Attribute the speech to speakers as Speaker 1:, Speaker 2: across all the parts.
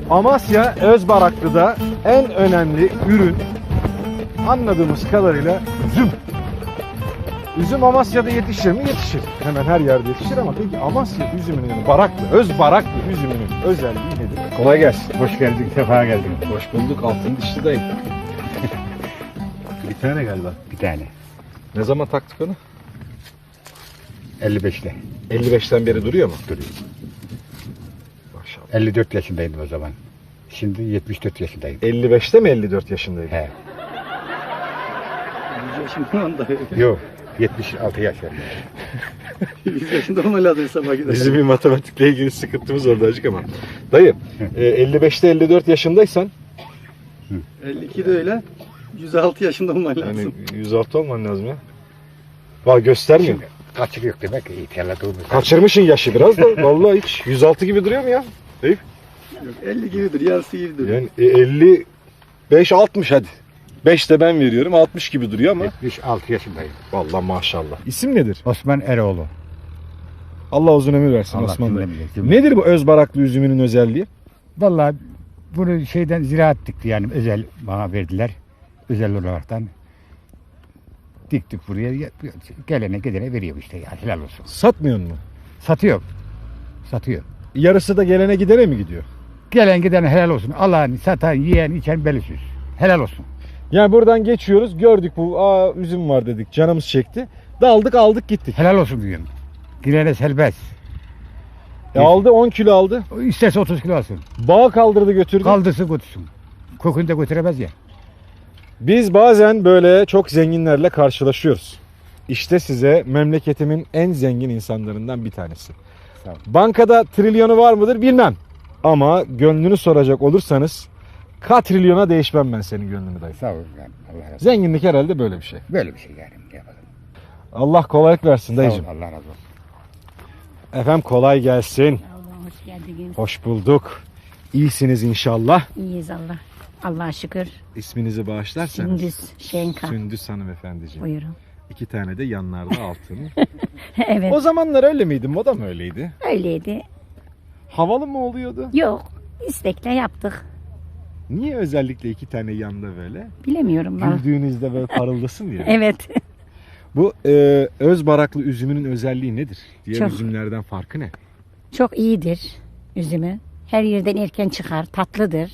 Speaker 1: Amasya Özbaraklı'da en önemli ürün anladığımız kadarıyla üzüm. Üzüm Amasya'da yetişir mi? Yetişir. Hemen her yerde yetişir ama peki Amasya üzümünün, yani Özbaraklı üzümünün özelliği nedir? Kolay gelsin.
Speaker 2: Hoş geldin, sefa geldin.
Speaker 1: Hoş bulduk. Altın dişli dayı. Bir tane galiba.
Speaker 2: Bir tane.
Speaker 1: Ne zaman taktık onu?
Speaker 2: 55'te
Speaker 1: 55'ten beri duruyor mu?
Speaker 2: duruyor.
Speaker 1: Maşallah.
Speaker 2: 54 yaşındaydım o zaman. Şimdi 74 yaşındayım.
Speaker 1: 55'te mi 54 yaşındaydın?
Speaker 2: He.
Speaker 3: 100 yaşında onda.
Speaker 2: Yok. 76 yaşındayım.
Speaker 3: 100 yaşında olmalı lazım sabah gider.
Speaker 1: Bizim bir matematikle ilgili sıkıntımız oldu acık ama. Dayı, 55'te 54 yaşındaysan
Speaker 3: 52 de öyle. 106 yaşında olmalı lazım.
Speaker 1: yani 106 olman lazım ya. Valla göstermiyor.
Speaker 2: Şimdi kaçık yok demek ki ihtiyarladığımız.
Speaker 1: Kaçırmışsın yaşı biraz da. Vallahi hiç 106 gibi duruyor mu ya? Eyüp.
Speaker 3: Yok, 50 gibidir, yarısı gibidir.
Speaker 1: Yani 55 60 hadi. 5 de ben veriyorum. 60 gibi duruyor ama.
Speaker 2: 76 yaşındayım.
Speaker 1: Vallahi maşallah. İsim nedir?
Speaker 2: Osman Eroğlu.
Speaker 1: Allah uzun ömür versin
Speaker 2: Allah
Speaker 1: Osman Bey.
Speaker 2: ömür versin.
Speaker 1: Nedir bu Özbaraklı üzümünün özelliği?
Speaker 2: Vallahi bunu şeyden ziraat dikti yani özel bana verdiler. Özel olaraktan diktik buraya. Gelene gidene veriyor işte ya helal olsun.
Speaker 1: Satmıyor mu?
Speaker 2: Satıyor. Satıyor.
Speaker 1: Yarısı da gelene gidene mi gidiyor?
Speaker 2: Gelen giden helal olsun. Alan, satan, yiyen, içen belisiz. Helal olsun.
Speaker 1: Yani buradan geçiyoruz, gördük bu üzüm var dedik, canımız çekti. Daldık aldık gittik.
Speaker 2: Helal olsun diyorum. Girene serbest.
Speaker 1: Aldı 10 kilo aldı.
Speaker 2: O İsterse 30 kilo alsın.
Speaker 1: Bağa kaldırdı götürdü.
Speaker 2: Kaldırsın götürsün. Kokunu da götüremez ya.
Speaker 1: Biz bazen böyle çok zenginlerle karşılaşıyoruz. İşte size memleketimin en zengin insanlarından bir tanesi.
Speaker 2: Sağ ol.
Speaker 1: Bankada trilyonu var mıdır bilmem. Ama gönlünü soracak olursanız katrilyona değişmem ben senin gönlünü dayı.
Speaker 2: Sağ ol yani. Allah razı olsun.
Speaker 1: Zenginlik herhalde böyle bir şey.
Speaker 2: Böyle bir şey yani. Ne yapalım.
Speaker 1: Allah kolaylık versin
Speaker 2: Sağ ol.
Speaker 1: dayıcım.
Speaker 2: Allah razı olsun.
Speaker 1: Efendim kolay gelsin.
Speaker 4: Allah hoş geldiniz.
Speaker 1: Hoş bulduk. İyisiniz inşallah.
Speaker 4: İyiyiz Allah. Allah'a şükür.
Speaker 1: İsminizi bağışlarsanız.
Speaker 4: Sündüz Şenka.
Speaker 1: Sündüz hanımefendiciğim.
Speaker 4: Buyurun.
Speaker 1: 2 tane de yanlarda altın.
Speaker 4: Evet.
Speaker 1: O zamanlar öyle miydi? Moda mı öyleydi?
Speaker 4: Öyleydi.
Speaker 1: Havalı mı oluyordu?
Speaker 4: Yok. İstekle yaptık.
Speaker 1: Niye özellikle 2 tane yanda böyle?
Speaker 4: Bilemiyorum ben.
Speaker 1: Güldüğünüzde böyle parıldasın diye.
Speaker 4: Evet.
Speaker 1: Bu Özbaraklı üzümünün özelliği nedir? Diğer
Speaker 4: Çok.
Speaker 1: üzümlerden farkı ne?
Speaker 4: Çok iyidir üzümü. Her yerden erken çıkar. Tatlıdır.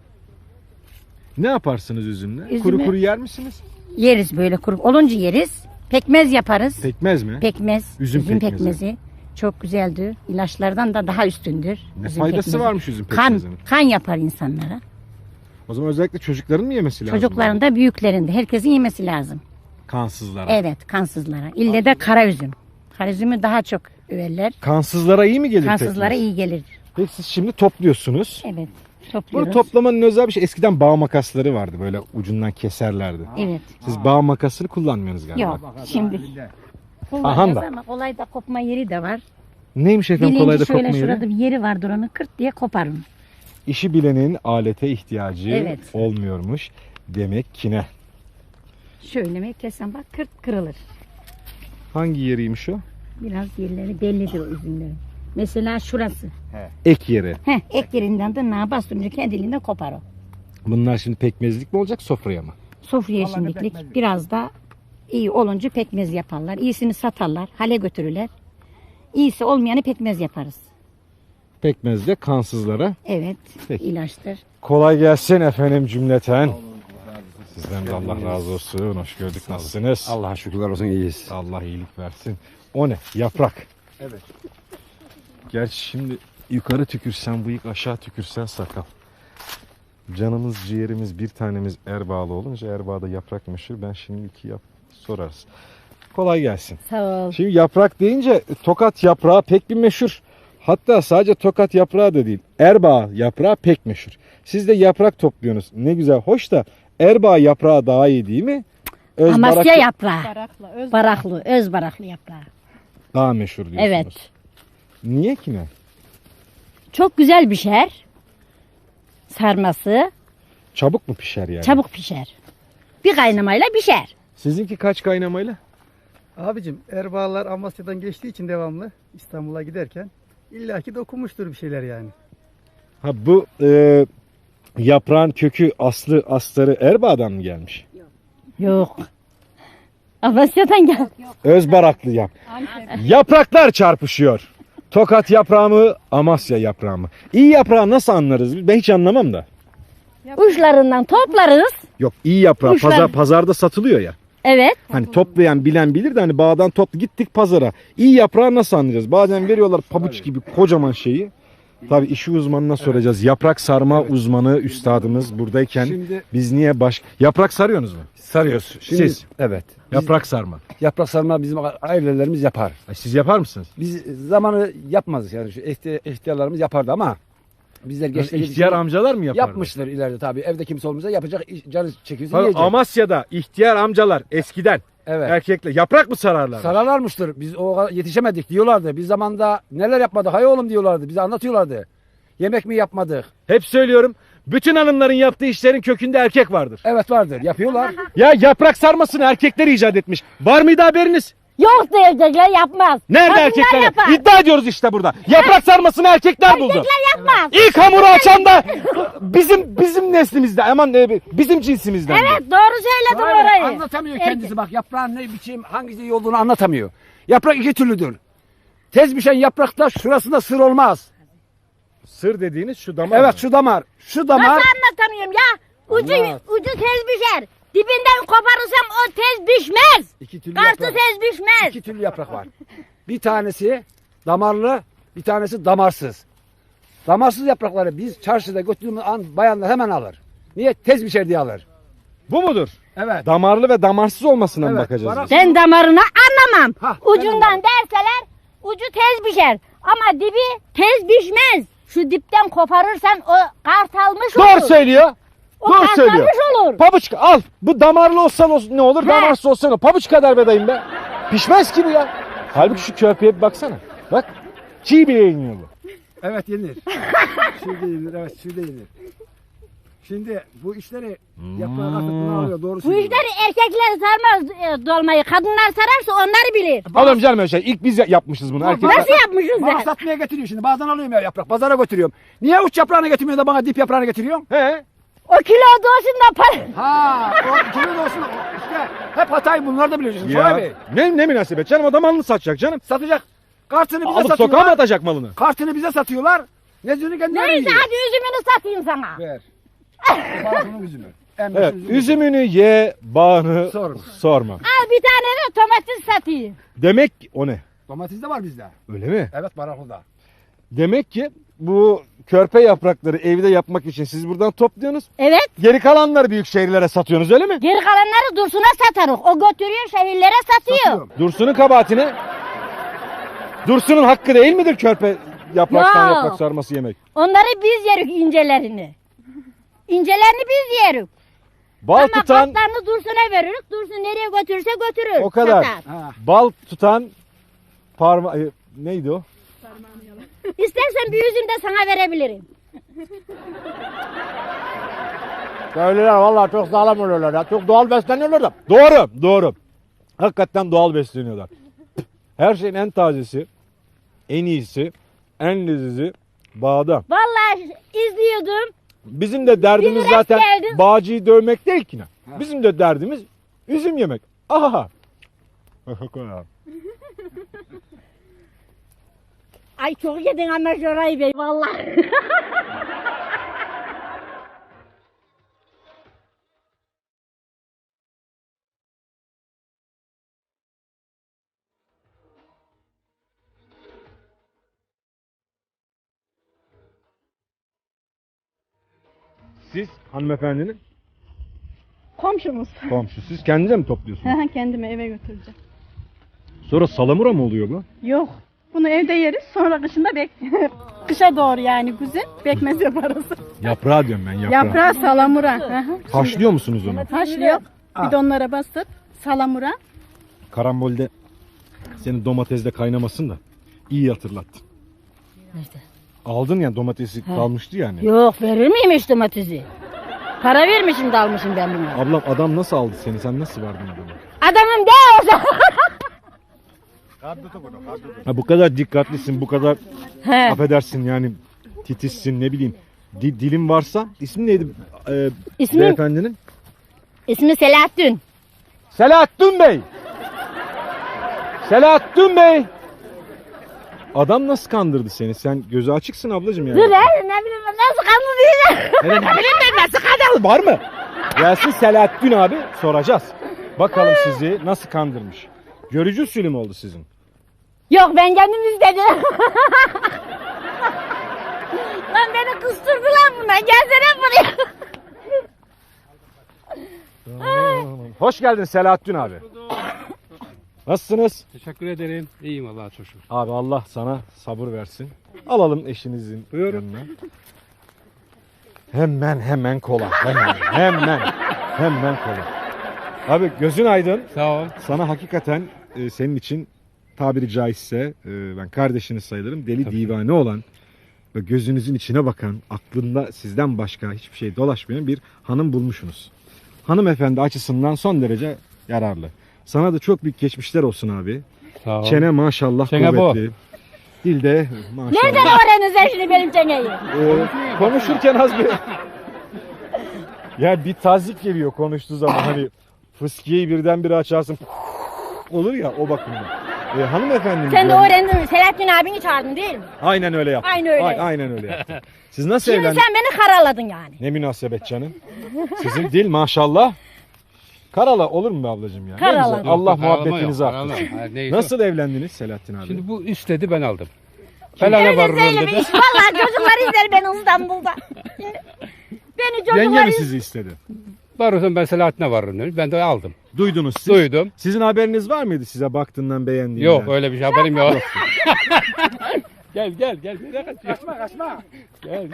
Speaker 1: Ne yaparsınız üzümle?
Speaker 4: Üzümü-
Speaker 1: Kuru kuru yer misiniz?
Speaker 4: Yeriz böyle kuru. Olunca yeriz. Pekmez yaparız.
Speaker 1: Pekmez mi?
Speaker 4: Pekmez.
Speaker 1: Üzüm pekmezi.
Speaker 4: pekmezi. Çok güzeldir. İlaçlardan da daha üstündür.
Speaker 1: Ne
Speaker 4: üzüm
Speaker 1: faydası
Speaker 4: pekmezi.
Speaker 1: varmış üzüm
Speaker 4: Kan,
Speaker 1: pekmezinin?
Speaker 4: kan yapar insanlara.
Speaker 1: O zaman özellikle çocukların mı yemesi lazım?
Speaker 4: Çocukların da büyüklerin de. Herkesin yemesi lazım.
Speaker 1: Kansızlara.
Speaker 4: Evet, kansızlara. İlle de kara üzüm. Kara üzümü daha çok överler.
Speaker 1: Kansızlara iyi mi gelir
Speaker 4: Kansızlara
Speaker 1: pekmez?
Speaker 4: iyi gelir.
Speaker 1: Peki siz şimdi topluyorsunuz.
Speaker 4: Evet,
Speaker 1: Bunu
Speaker 4: topluyoruz.
Speaker 1: toplamanın özel bir şey. Eskiden bağ makasları vardı. Böyle ucundan keserlerdi.
Speaker 4: Evet.
Speaker 1: Siz bağ makasını kullanmıyorsunuz galiba.
Speaker 4: Yok, şimdi
Speaker 1: Aha
Speaker 4: kullanıyoruz
Speaker 1: da.
Speaker 4: ama kolay da kopma yeri de var.
Speaker 1: Neymiş efendim kolayda
Speaker 4: Bilinci şöyle
Speaker 1: kopma yeri?
Speaker 4: şurada bir yeri vardır onu kırt diye koparın.
Speaker 1: İşi bilenin alete ihtiyacı
Speaker 4: Evet.
Speaker 1: olmuyormuş demek ki ne?
Speaker 4: Şöyle mi kesen bak kırt kırılır.
Speaker 1: Hangi yeriymiş o?
Speaker 4: Biraz yerleri bellidir o üzümlerin. Mesela şurası.
Speaker 1: Ek yeri.
Speaker 4: Ek yerinden de nağa bastırınca kendiliğinden kopar o.
Speaker 1: Bunlar şimdi pekmezlik mi olacak sofraya mı?
Speaker 4: Sofraya şimdilik biraz da iyi olunca pekmez yaparlar. İyisini satarlar, hale götürürler. İyisi olmayanı pekmez yaparız.
Speaker 1: Pekmezle kansızlara.
Speaker 4: Evet,
Speaker 1: Peki.
Speaker 4: ilaçtır.
Speaker 1: Kolay gelsin efendim cümleten. Sizden de Allah razı olsun. Hoş gördük. Nasılsınız?
Speaker 5: Allah'a şükürler olsun iyiyiz.
Speaker 1: Allah iyilik versin. O ne? Yaprak. Evet. Gerçi şimdi yukarı tükürsen bıyık, aşağı tükürsen sakal. Canımız ciğerimiz bir tanemiz Erbağlı olunca Erbağ'da yaprak meşhur. Ben şimdi sorarız. Kolay gelsin.
Speaker 4: Sağ ol.
Speaker 1: Şimdi yaprak deyince Tokat yaprağı pek bir meşhur. Hatta sadece Tokat yaprağı da değil. Erbağ yaprağı pek meşhur. Siz de yaprak topluyorsunuz. Ne güzel. Hoş da Erbağ yaprağı daha iyi değil mi?
Speaker 4: Amasya yaprağı.
Speaker 6: Baraklı,
Speaker 4: Baraklı, öz baraklı yaprağı.
Speaker 1: daha meşhur diyorsunuz.
Speaker 4: Evet.
Speaker 1: Niye ki ne?
Speaker 4: Çok güzel pişer. Sarması
Speaker 1: Çabuk mu pişer yani?
Speaker 4: çabuk pişer. Bir kaynamayla pişer.
Speaker 1: Sizinki kaç kaynamayla?
Speaker 3: Abicim Erbağlar Amasya'dan geçtiği için devamlı İstanbul'a giderken illaki dokunmuştur bir şeyler yani.
Speaker 1: Ha bu yaprağın kökü astarı Erbaa'dan mı gelmiş?
Speaker 4: Yok. Amasya'dan gel.
Speaker 1: Özbaraklı yap. Yapraklar çarpışıyor. Tokat yaprağı mı, Amasya yaprağı mı? İyi yaprağı nasıl anlarız? Ben hiç anlamam da.
Speaker 4: Uçlarından toplarız.
Speaker 1: Yok, iyi yaprağı
Speaker 4: Uçlar.
Speaker 1: pazarda satılıyor ya.
Speaker 4: Evet.
Speaker 1: Hani toplayan bilen bilir de hani bağdan gittik pazara. İyi yaprağı nasıl anlayacağız? Bazen veriyorlar pabuç gibi kocaman şeyi. Tabii işi uzmanına soracağız. Yaprak sarma uzmanı üstadımız buradayken
Speaker 3: Şimdi-
Speaker 1: biz niye yaprak sarıyorsunuz mu?
Speaker 3: Sarıyoruz.
Speaker 1: Siz?
Speaker 3: Evet.
Speaker 1: Yaprak sarma.
Speaker 3: Yaprak sarma bizim ailelerimiz yapar.
Speaker 1: Siz yapar mısınız?
Speaker 3: Biz zamanı yapmazdık yani şu ihtiyarlarımız yapardı ama bizler gençler
Speaker 1: İhtiyar amcalar mı yapardı?
Speaker 3: yapmışlar ileride tabii. Evde kimse olmayacak yapacak canı çekiyorsa
Speaker 1: Tabii
Speaker 3: yiyecek.
Speaker 1: Amasya'da ihtiyar amcalar eskiden
Speaker 3: Evet.
Speaker 1: erkekle yaprak mı sararlar?
Speaker 3: Sararlarmıştır. Biz o kadar yetişemedik diyorlardı. Biz zamanda neler yapmadık hay oğlum diyorlardı. Bize anlatıyorlardı. Yemek mi yapmadık?
Speaker 1: Hep söylüyorum. Bütün hanımların yaptığı işlerin kökünde erkek vardır.
Speaker 3: Evet vardır. Yapıyorlar.
Speaker 1: Ya yaprak sarmasını erkekler icat etmiş. Var mıydı haberiniz?
Speaker 4: Yok diyecekler yapmaz.
Speaker 1: Nerede
Speaker 4: Kadınlar
Speaker 1: erkekler?
Speaker 4: yapar.
Speaker 1: İddia ediyoruz işte burada. Yaprak sarmasını erkekler buldu.
Speaker 4: Erkekler yapmaz.
Speaker 1: İlk hamuru açan da bizim neslimizde. Aman bizim cinsimizden.
Speaker 4: Evet doğru söyledin
Speaker 3: Aynen,
Speaker 4: orayı.
Speaker 3: anlatamıyor kendisi bak yaprağın ne biçim hangisi iyi olduğunu anlatamıyor. Yaprak iki türlüdür. Tez pişen yaprakta şurasında sır olmaz.
Speaker 1: Sır dediğiniz şu damar.
Speaker 3: Evet şu damar. Şu damar.
Speaker 4: Nasıl anlatamıyorum ya? Ucu tez pişer. Dibinden koparırsam o tez pişmez.
Speaker 3: İki türlü
Speaker 4: Kartı
Speaker 3: yaprak.
Speaker 4: tez pişmez.
Speaker 3: İki türlü yaprak var. Bir tanesi damarlı, bir tanesi damarsız. Damarsız yaprakları biz çarşıda götürdüğümüz an bayanlar hemen alır. Niye? Tez pişer diye alır.
Speaker 1: Bu mudur?
Speaker 3: Evet.
Speaker 1: Damarlı ve damarsız olmasına mı
Speaker 3: Evet,
Speaker 1: bakacağız?
Speaker 3: varak-
Speaker 1: biz?
Speaker 4: Ben damarını anlamam.
Speaker 3: Hah,
Speaker 4: Ucundan derseler ucu tez pişer. Ama dibi tez pişmez. Şu dipten koparırsan o kart almış olur.
Speaker 1: Doğru söylüyor.
Speaker 4: O
Speaker 1: Doğru
Speaker 4: kart
Speaker 1: söylüyor.
Speaker 4: almış olur.
Speaker 1: Pabuç al. Bu damarlı olsa ne olur?
Speaker 4: He.
Speaker 1: Damarsız olsa ne olur? Pabuç kadar bedayım be. Pişmez ki bu ya. Halbuki şu körpeye bir baksana. Bak. Çiğ bile yeniyor bu.
Speaker 3: Evet yenir. Şurada yenir, evet şurada yenir. Şimdi bu işleri yaprağı kasıtını alıyor, doğru
Speaker 4: Bu
Speaker 3: söylüyor.
Speaker 4: işleri erkekler sarmaz dolmayı. Kadınlar sararsa onlar bilir.
Speaker 1: Oğlum canım öyle şey. İlk biz yapmışız bunu. Erkekler.
Speaker 4: Nasıl yapmışız
Speaker 3: Bana
Speaker 4: ben?
Speaker 3: satmaya getiriyor şimdi. Bazen alıyorum ya yaprak. Pazara götürüyorum. Niye uç yaprağını getirmiyorsun da bana dip yaprağını getiriyorsun?
Speaker 1: He.
Speaker 4: O kilo olsun da para.
Speaker 3: Ha, o kimin olsun. İşte hep hatayı bunlar da biliyorsun. Şoray Bey.
Speaker 1: Ne münasebet canım, adam malını satacak canım.
Speaker 3: Satacak. Kartını bize
Speaker 1: Alıp sokağa mı
Speaker 3: satıyorlar.
Speaker 1: atacak malını?
Speaker 3: Kartını bize satıyorlar. Nezünü kendileri
Speaker 4: Neyse
Speaker 3: yiyor.
Speaker 4: hadi üzümünü satayım sana.
Speaker 3: Ver. Bağımsızın üzümü. En
Speaker 1: Evet,
Speaker 3: meşhur
Speaker 1: üzümünü ye, bağını
Speaker 3: Sorma.
Speaker 1: sorma.
Speaker 4: Al bir tane de domates satayım.
Speaker 1: Demek ki o ne?
Speaker 3: Domates de var bizde.
Speaker 1: Öyle mi?
Speaker 3: Evet baraklıda.
Speaker 1: Demek ki bu körpe yaprakları evde yapmak için siz buradan topluyorsunuz.
Speaker 4: Evet.
Speaker 1: Geri kalanları büyük şehirlere satıyorsunuz öyle mi?
Speaker 4: Geri kalanları Dursun'a satarız. O götürüyor şehirlere satıyor.
Speaker 3: Satıyorum.
Speaker 1: Dursun'un kabahatine. Dursun'un hakkı değil midir körpe yapraktan
Speaker 4: Yok.
Speaker 1: yaprak sarması yemek?
Speaker 4: Onları biz yerik incelerini. İncelerini biz yerik.
Speaker 1: Bal
Speaker 4: Ama
Speaker 1: tutan,
Speaker 4: kaplarını Dursun'a veririz. Dursun nereye götürürse götürür.
Speaker 1: o kadar.
Speaker 4: Satar.
Speaker 3: Ha.
Speaker 1: Bal tutan neydi o?
Speaker 4: İstersen bir üzüm de sana verebilirim.
Speaker 1: Köylüler vallahi çok sağlam oluyorlar ya. Çok doğal besleniyorlar da. Doğru. Hakikaten doğal besleniyorlar. Her şeyin en tazesi, en iyisi, en lezizi bağda.
Speaker 4: Vallahi izliyordum.
Speaker 1: Bizim de derdimiz
Speaker 4: Bir
Speaker 1: zaten
Speaker 4: geldim.
Speaker 1: bağcıyı dövmek değil ki. Bizim de derdimiz üzüm yemek. Aha.
Speaker 4: Ay çok yedin ama Şoray Bey vallahi.
Speaker 1: Siz hanımefendinin
Speaker 5: Komşumuz.
Speaker 1: komşusu. Siz kendinize mi topluyorsunuz?
Speaker 5: Kendime eve götüreceğim.
Speaker 1: Sonra salamura mı oluyor bu?
Speaker 5: Yok. Bunu evde yeriz. Sonra kışında kışa doğru yani güzel pekmez yaparız.
Speaker 1: Yaprağı diyorum ben yaprağı.
Speaker 5: Yaprağı salamura. Hı hı.
Speaker 1: Haşlıyor musunuz onu?
Speaker 5: Haşlıyor. Bidonlara basıp salamura.
Speaker 1: Karambolde senin domatesle kaynamasın da iyi hatırlattın.
Speaker 4: Nerede?
Speaker 1: Aldın ya domatesi kalmıştı yani.
Speaker 4: Yok verir miymiş domatesi? Para vermişim de almışım ben bunu.
Speaker 1: Ablam adam nasıl aldı seni? Sen nasıl verdin adama?
Speaker 4: Adamım de olsa.
Speaker 1: Ha, bu kadar dikkatlisin, bu kadar
Speaker 4: He.
Speaker 1: affedersin yani titizsin ne bileyim. dilim varsa. İsmi neydi
Speaker 4: İsmi,
Speaker 1: beyefendinin?
Speaker 4: ismi Selahattin.
Speaker 1: Selahattin Bey. Selahattin Bey. Adam nasıl kandırdı seni? Sen gözü açıksın ablacığım yani.
Speaker 4: Dur ne bileyim ben nasıl kandıracağım.
Speaker 1: Hele ne bileyim ben nasıl kandırdı? Var mı? Gelsin Selahattin abi soracağız. Bakalım sizi nasıl kandırmış. Görücü usulü mü oldu sizin?
Speaker 4: Yok ben kendim istedim. Lan beni kıstırdı lan buna. Gelsene buraya.
Speaker 1: Hoş geldin Selahattin abi. Nasılsınız?
Speaker 6: Teşekkür ederim. İyiyim Allah'a çok şükür.
Speaker 1: Abi Allah sana sabır versin. Alalım eşinizin yanına. Hemen kola. Hemen kola. Abi gözün aydın.
Speaker 6: Sağ ol.
Speaker 1: Sana hakikaten senin için tabiri caizse ben kardeşiniz sayılırım. Deli divane olan ve gözünüzün içine bakan, aklında sizden başka hiçbir şey dolaşmayan bir hanım bulmuşsunuz. Hanımefendi açısından son derece yararlı. Sana da çok büyük geçmişler olsun abi.
Speaker 6: Sağ ol.
Speaker 1: Çene maşallah
Speaker 6: Çene bu.
Speaker 1: kuvvetli. Dilde maşallah.
Speaker 4: Nereden öğrendin sen şimdi benim çeneyi?
Speaker 1: Konuşurken az bir... Ya bir tazik geliyor konuştuğu zaman hani fıskiyeyi birdenbire açarsın olur ya o bakımdan. Hanımefendi.
Speaker 4: Sen de öğrendin. Selahattin abini çağırdın değil mi?
Speaker 1: Aynen öyle yaptım.
Speaker 4: Aynı öyle.
Speaker 1: Aynen öyle yaptım. Siz nasıl
Speaker 4: Şimdi
Speaker 1: evlendiniz?
Speaker 4: sen beni karaladın yani.
Speaker 1: Ne münasebet canım. Sizin dil maşallah. Karala olur mu be ablacığım ya? Ne
Speaker 4: Karala.
Speaker 1: güzel. Allah
Speaker 6: Yok, karalama
Speaker 1: muhabbetinizi
Speaker 6: yok,
Speaker 1: arttırsın.
Speaker 6: karalama. Hayır, neyse.
Speaker 1: Nasıl evlendiniz Selahattin abi?
Speaker 6: Şimdi bu istedi ben aldım. Felane
Speaker 4: Öyle
Speaker 6: var
Speaker 4: söyle bir
Speaker 6: dedi.
Speaker 4: iş. Vallahi çocuklar izler beni İstanbul'da. Beni
Speaker 1: Yenge
Speaker 4: çocuklar
Speaker 1: mi
Speaker 4: izler.
Speaker 1: sizi istedi?
Speaker 6: Varırsan ben Selahattin'e varırım dedi. Ben de aldım.
Speaker 1: Duydunuz siz.
Speaker 6: Duydum.
Speaker 1: Sizin haberiniz var mıydı size baktığından beğendiğinden?
Speaker 6: Yok öyle bir şey haberim yok. Gel. Nereye kaçıyorsun?
Speaker 3: Kaçma.
Speaker 6: Gel.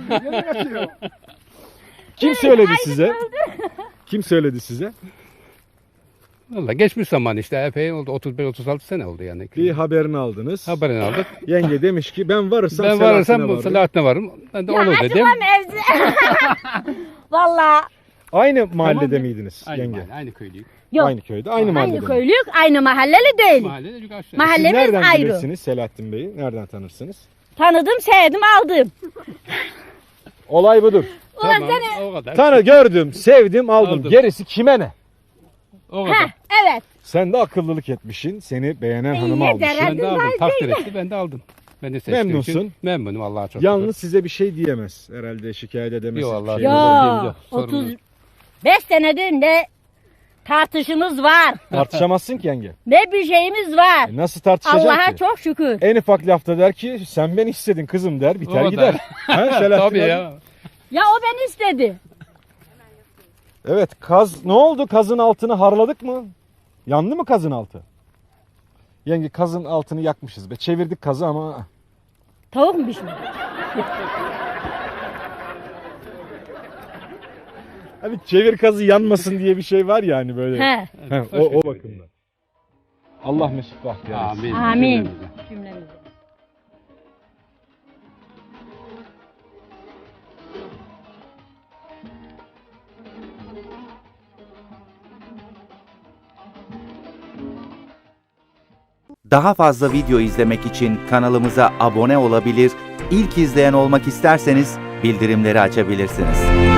Speaker 1: Kim söyledi size? Kim söyledi size?
Speaker 6: Valla geçmiş zaman işte epey oldu. 35-36 sene oldu yani.
Speaker 1: Bir haberini aldınız.
Speaker 6: Haberini aldık.
Speaker 1: Yenge demiş ki ben varırsam
Speaker 6: Ben
Speaker 1: Selahattin'e
Speaker 6: varırsam
Speaker 1: varırım.
Speaker 6: Selahattin'e varırım. Ben de
Speaker 4: Ya
Speaker 6: olur dedim.
Speaker 4: açıklam evde. Vallahi
Speaker 1: Aynı mahallede
Speaker 6: Tamam.
Speaker 1: miydiniz yenge?
Speaker 6: Aynı köylüyük.
Speaker 4: yok.
Speaker 1: Aynı köyde, aynı mahallede.
Speaker 4: Aynı
Speaker 1: mi?
Speaker 4: köylük, aynı mahalleli değil.
Speaker 6: Mahallede çünkü aşağı.
Speaker 1: Siz
Speaker 4: Mahallemiz
Speaker 1: nereden
Speaker 4: ayrı.
Speaker 1: bilirsiniz Selahattin Bey'i? Nereden tanırsınız?
Speaker 4: Tanıdım, sevdim, aldım.
Speaker 1: Olay budur.
Speaker 4: Ulan
Speaker 6: Tamam,
Speaker 4: seni...
Speaker 6: o kadar.
Speaker 1: Gördüm, sevdim, aldım.
Speaker 6: Aldım.
Speaker 1: Gerisi kime ne?
Speaker 6: O kadar.
Speaker 4: Heh, evet.
Speaker 1: Sen de akıllılık etmişsin. Seni beğenen hanımı
Speaker 4: yeter,
Speaker 1: almışsın.
Speaker 6: Ben de aldım. Takdir etti. Ben de aldım. Ben de seçtiğim
Speaker 1: Memnunsun.
Speaker 6: için memnunum Allah'a çok
Speaker 1: Yalnız size bir şey diyemez. Herhalde şikayet edemez.
Speaker 6: Yok,
Speaker 1: bir
Speaker 6: Allah
Speaker 1: şey
Speaker 6: yok.
Speaker 1: demez.
Speaker 4: Ya,
Speaker 6: Sorun yok.
Speaker 4: 35 senedir ne tartışımız var.
Speaker 1: Tartışamazsın ki yenge.
Speaker 4: Ne bir şeyimiz var.
Speaker 1: Nasıl tartışacaksın
Speaker 4: Allah'a
Speaker 1: ki?
Speaker 4: çok şükür.
Speaker 1: En ufak lafta der ki sen beni istedin kızım der biter
Speaker 6: O
Speaker 1: gider.
Speaker 6: da.
Speaker 1: Ha, Selahattin
Speaker 6: Tabii
Speaker 1: abi?
Speaker 6: ya.
Speaker 4: Ya o beni istedi.
Speaker 1: Evet kaz ne oldu kazın altını harladık mı? Yandı mı kazın altı? Yenge kazın altını yakmışız be. Çevirdik kazı ama
Speaker 4: Tavuk mu pişmiş?
Speaker 1: hani çevir kazı yanmasın diye bir şey var ya hani böyle.
Speaker 4: He.
Speaker 1: He, o bakımdan. Allah mesut bahtiyar etsin.
Speaker 6: Amin.
Speaker 4: Amin. Cümlemize.
Speaker 7: Daha fazla video izlemek için kanalımıza abone olabilir, ilk izleyen olmak isterseniz bildirimleri açabilirsiniz.